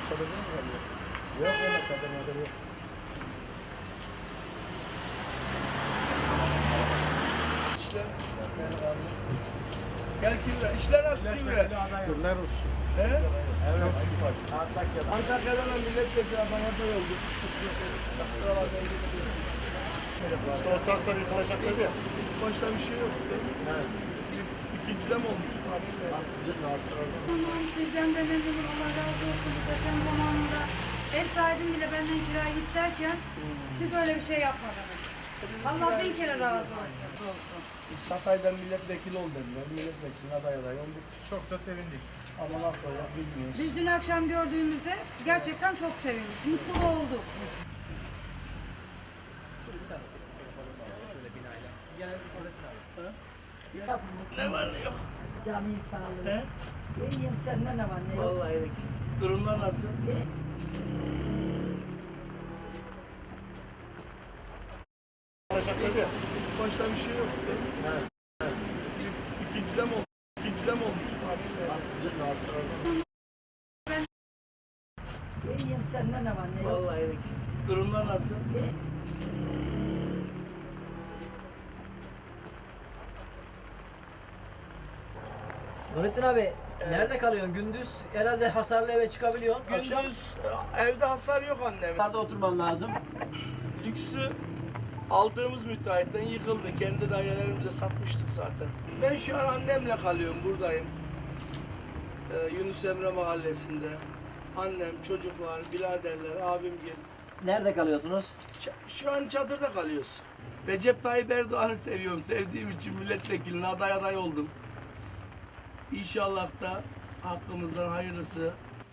çadırda mı kalıyor? Yok öyle çadırda yok. İşler. Gel Kimre. İşler nasıl Kimre? Şükürler olsun. He? Evet şükür. Antakya'dan milletvekili adayı oldu. İşte orta sarı yıkılacak dedi ya. Başta bir şey yok. Evet. İkincide mi olmuş? Tamam, sizden de memnunum. Allah razı olsun. Zaten zamanında ev sahibim bile benden kirayı isterken siz öyle bir şey yapmadınız. Allah bin kere razı olsun. Hatay'dan milletvekili ol dediler. Milletvekili aday oldu. Çok da sevindik. Ama nasıl olacak bilmiyoruz. Biz dün akşam gördüğümüzde gerçekten çok sevindik. Mutlu olduk. Ne var ne yok? Canın sağlığı. He? İyiyim, sende ne var ne yok? Vallahi iyilik. Durumlar nasıl? Yıkılacak dedi ya. Başta bir şey yok. Evet. İkincide mi olmuş? İkincide mi olmuş? İyiyim, sende ne var ne yok? Vallahi iyilik. Durumlar nasıl? Nurettin abi nerede kalıyorsun? Gündüz herhalde hasarlı eve çıkabiliyorsun. Akşam Gündüz evde hasar yok annem. dışarıda oturman lazım. Lüksü aldığımız müteahhitten yıkıldı. Kendi dairelerimize satmıştık zaten. Ben şu an annemle kalıyorum, buradayım. Yunus Emre Mahallesi'nde. Annem, çocuklar, biraderler, abimgil. Nerede kalıyorsunuz? Şu an çadırda kalıyoruz. Recep Tayyip Erdoğan'ı seviyorum. Sevdiğim için milletvekiline aday oldum. İnşallah da hakkımızdan hayırlısı.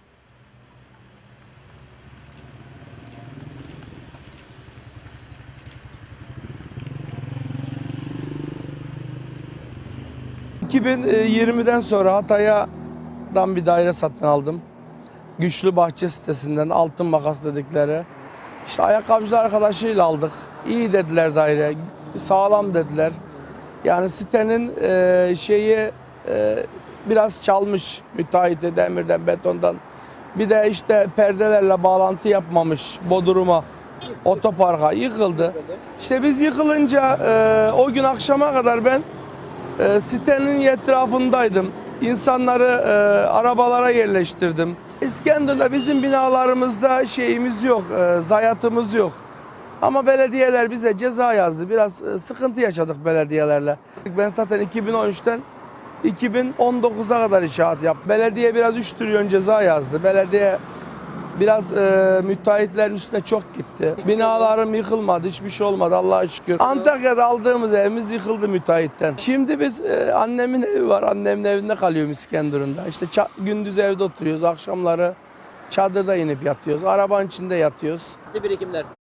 ...2020'den sonra Hatay'dan bir daire satın aldım. Güçlü Bahçe sitesinden Altın Makas dedikleri. İşte ayakkabıcı arkadaşıyla aldık. İyi dediler daire, sağlam dediler. Yani sitenin biraz çalmış müteahhiti demirden, betondan. Bir de işte perdelerle bağlantı yapmamış Bodrum'a, otoparka yıkıldı. İşte biz yıkılınca o gün akşama kadar ben sitenin etrafındaydım. İnsanları arabalara yerleştirdim. İskenderun'da bizim binalarımızda şeyimiz yok, zayiatımız yok. Ama belediyeler bize ceza yazdı. Biraz sıkıntı yaşadık belediyelerle. Ben zaten 2013'ten 2019'a kadar inşaat yaptım. Belediye biraz 3 trilyon ceza yazdı. Belediye biraz müteahhitlerin üstüne çok gitti. Binalarım yıkılmadı, hiçbir şey olmadı Allah'a şükür. Antakya'da aldığımız evimiz yıkıldı müteahhitten. Şimdi biz annemin evi var, annemin evinde kalıyorum İskenderun'da. İşte gündüz evde oturuyoruz, akşamları çadırda inip yatıyoruz, arabanın içinde yatıyoruz. Birikimler.